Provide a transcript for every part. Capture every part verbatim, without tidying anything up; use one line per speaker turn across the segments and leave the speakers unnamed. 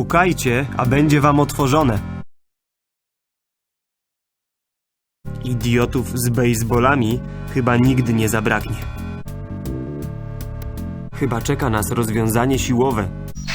Pukajcie, a będzie wam otworzone. Idiotów z bejsbolami chyba nigdy nie zabraknie. Chyba czeka nas rozwiązanie siłowe.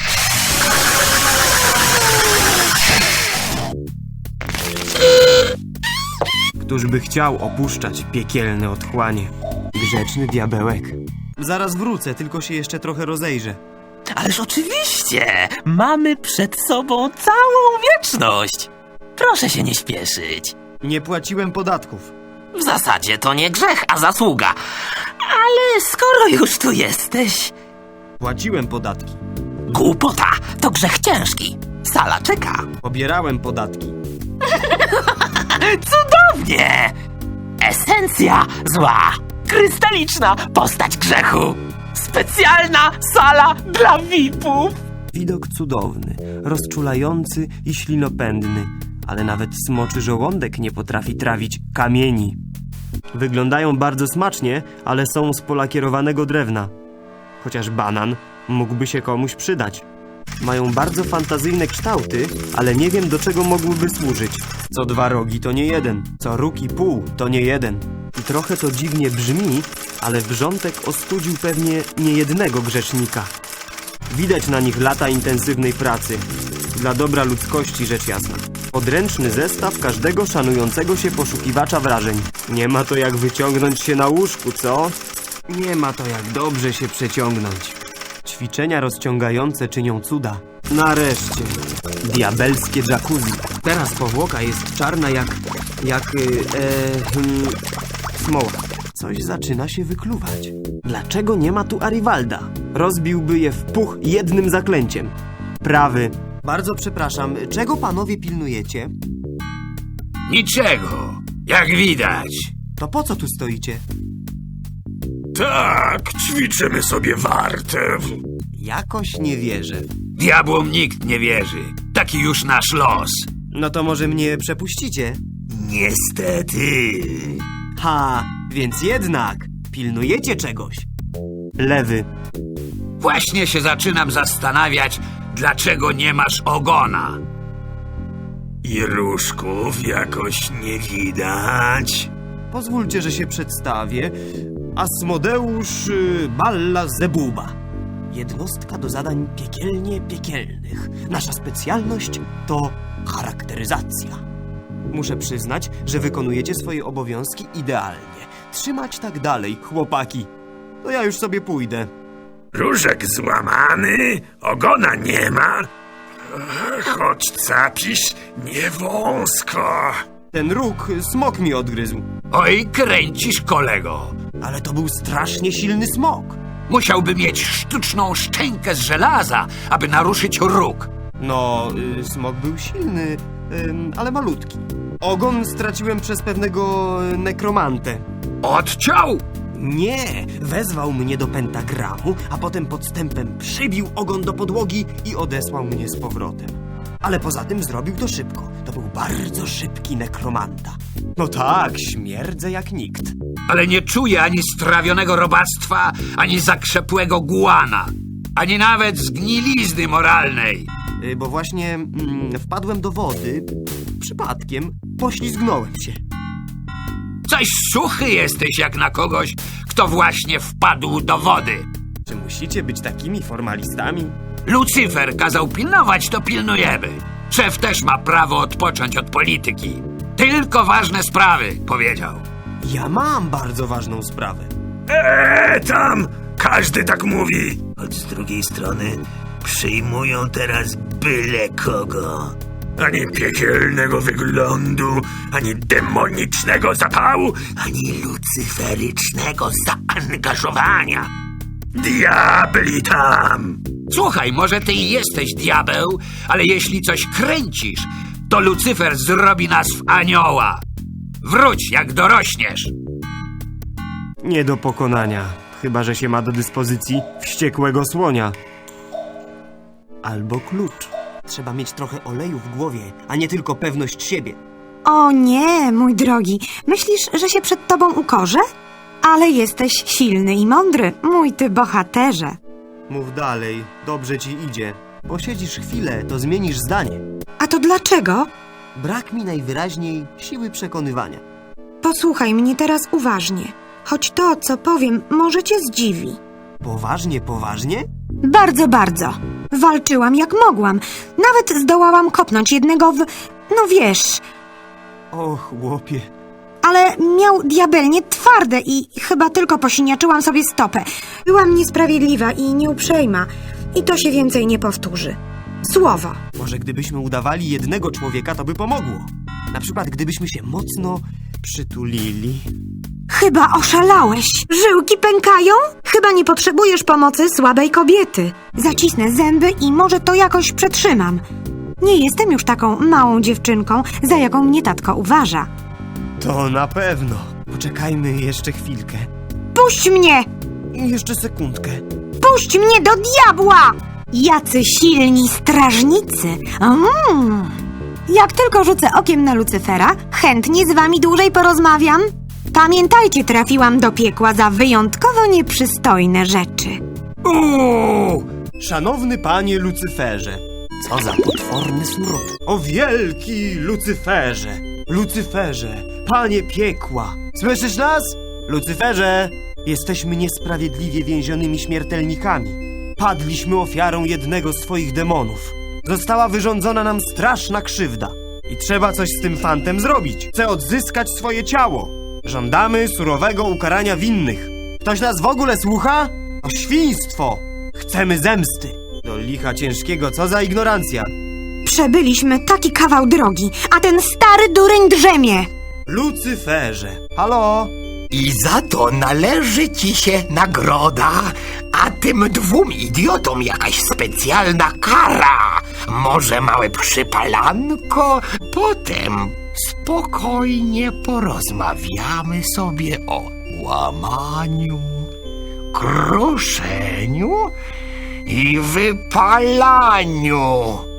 Któż by chciał opuszczać piekielne otchłanie? Grzeczny diabełek. Zaraz wrócę, tylko się jeszcze trochę rozejrzę.
Ależ oczywiście! Mamy przed sobą całą wieczność! Proszę się nie śpieszyć.
Nie płaciłem podatków.
W zasadzie to nie grzech, a zasługa. Ale skoro już tu jesteś...
Płaciłem podatki.
Głupota! To grzech ciężki. Sala czeka.
Pobierałem podatki.
Cudownie! Esencja zła. Krystaliczna postać grzechu. Specjalna sala dla V I P-ów.
Widok cudowny, rozczulający i ślinopędny, ale nawet smoczy żołądek nie potrafi trawić kamieni. Wyglądają bardzo smacznie, ale są z polakierowanego drewna. Chociaż banan mógłby się komuś przydać. Mają bardzo fantazyjne kształty, ale nie wiem, do czego mogłyby służyć. Co dwa rogi to nie jeden, co róg i pół to nie jeden. I trochę to dziwnie brzmi, ale wrzątek ostudził pewnie niejednego grzesznika. Widać na nich lata intensywnej pracy. Dla dobra ludzkości, rzecz jasna. Podręczny zestaw każdego szanującego się poszukiwacza wrażeń. Nie ma to jak wyciągnąć się na łóżku, co? Nie ma to jak dobrze się przeciągnąć. Ćwiczenia rozciągające czynią cuda. Nareszcie. Diabelskie jacuzzi. Teraz powłoka jest czarna jak... jak... E, hmm, smoła. Coś zaczyna się wykluwać. Dlaczego nie ma tu Arivalda? Rozbiłby je w puch jednym zaklęciem. Prawy. Bardzo przepraszam, czego panowie pilnujecie?
Niczego, jak widać.
To po co tu stoicie?
Tak, ćwiczymy sobie wartę.
Jakoś nie wierzę.
Diabłom nikt nie wierzy. Taki już nasz los.
No to może mnie przepuścicie?
Niestety.
Ha, więc jednak pilnujecie czegoś. Lewy.
Właśnie się zaczynam zastanawiać, dlaczego nie masz ogona. I różków jakoś nie widać.
Pozwólcie, że się przedstawię. Asmodeusz y, Balla Zebuba. Jednostka do zadań piekielnie piekielnych. Nasza specjalność to charakteryzacja. Muszę przyznać, że wykonujecie swoje obowiązki idealnie. Trzymać tak dalej, chłopaki. To ja już sobie pójdę.
Różek złamany, ogona nie ma. Choć capisz nie wąsko.
Ten róg smok mi odgryzł.
Oj, kręcisz, kolego.
Ale to był strasznie silny smok.
Musiałby mieć sztuczną szczękę z żelaza, aby naruszyć róg.
No, y, smok był silny, y, ale malutki. Ogon straciłem przez pewnego y, nekromantę.
Odciął!
Nie, wezwał mnie do pentagramu, a potem podstępem przybił ogon do podłogi i odesłał mnie z powrotem. Ale poza tym zrobił to szybko. To był bardzo szybki nekromanta. No tak, śmierdzę jak nikt.
Ale nie czuję ani strawionego robactwa, ani zakrzepłego gułana, ani nawet zgnilizny moralnej.
Y, bo właśnie mm, wpadłem do wody, przypadkiem poślizgnąłem się.
Coś suchy jesteś jak na kogoś, kto właśnie wpadł do wody.
Czy musicie być takimi formalistami?
Lucyfer kazał pilnować, to pilnujemy. Szef też ma prawo odpocząć od polityki. Tylko ważne sprawy, powiedział.
Ja mam bardzo ważną sprawę.
Eee, tam każdy tak mówi. Choć z drugiej strony przyjmują teraz byle kogo. Ani piekielnego wyglądu, ani demonicznego zapału, ani lucyferycznego zaangażowania. Diabli tam! Słuchaj, może ty i jesteś diabeł, ale jeśli coś kręcisz, to Lucyfer zrobi nas w anioła. Wróć, jak dorośniesz.
Nie do pokonania, chyba że się ma do dyspozycji wściekłego słonia. Albo klucz. Trzeba mieć trochę oleju w głowie, a nie tylko pewność siebie.
O nie, mój drogi. Myślisz, że się przed tobą ukorzę? Ale jesteś silny i mądry, mój ty bohaterze.
Mów dalej, dobrze ci idzie. Posiedzisz chwilę, to zmienisz zdanie.
A to dlaczego?
Brak mi najwyraźniej siły przekonywania.
Posłuchaj mnie teraz uważnie. Choć to, co powiem, może cię zdziwi.
Poważnie, poważnie?
Bardzo, bardzo. Walczyłam jak mogłam. Nawet zdołałam kopnąć jednego w... no wiesz...
O, chłopie.
Ale miał diabelnie twarde i chyba tylko posiniaczyłam sobie stopę. Byłam niesprawiedliwa i nieuprzejma. I to się więcej nie powtórzy. Słowo.
Może gdybyśmy udawali jednego człowieka, to by pomogło. Na przykład gdybyśmy się mocno przytulili.
Chyba oszalałeś. Żyłki pękają? Chyba nie potrzebujesz pomocy słabej kobiety. Zacisnę zęby i może to jakoś przetrzymam. Nie jestem już taką małą dziewczynką, za jaką mnie tatko uważa.
To na pewno. Poczekajmy jeszcze chwilkę.
Puść mnie!
I jeszcze sekundkę.
Puść mnie do diabła! Jacy silni strażnicy! Mm. Jak tylko rzucę okiem na Lucyfera, chętnie z wami dłużej porozmawiam. Pamiętajcie, trafiłam do piekła za wyjątkowo nieprzystojne rzeczy.
O! Szanowny panie Lucyferze. Co za potworny smród. O wielki Lucyferze. Lucyferze, panie piekła. Słyszysz nas? Lucyferze, jesteśmy niesprawiedliwie więzionymi śmiertelnikami. Padliśmy ofiarą jednego z twoich demonów. Została wyrządzona nam straszna krzywda. I trzeba coś z tym fantem zrobić. Chcę odzyskać swoje ciało. Żądamy surowego ukarania winnych. Ktoś nas w ogóle słucha? O świństwo! Chcemy zemsty. Do licha ciężkiego, co za ignorancja.
Przebyliśmy taki kawał drogi, a ten stary dureń drzemie.
Lucyferze, halo?
I za to należy ci się nagroda, a tym dwóm idiotom jakaś specjalna kara. Może małe przypalanko? Potem spokojnie porozmawiamy sobie o łamaniu, kruszeniu i wypalaniu.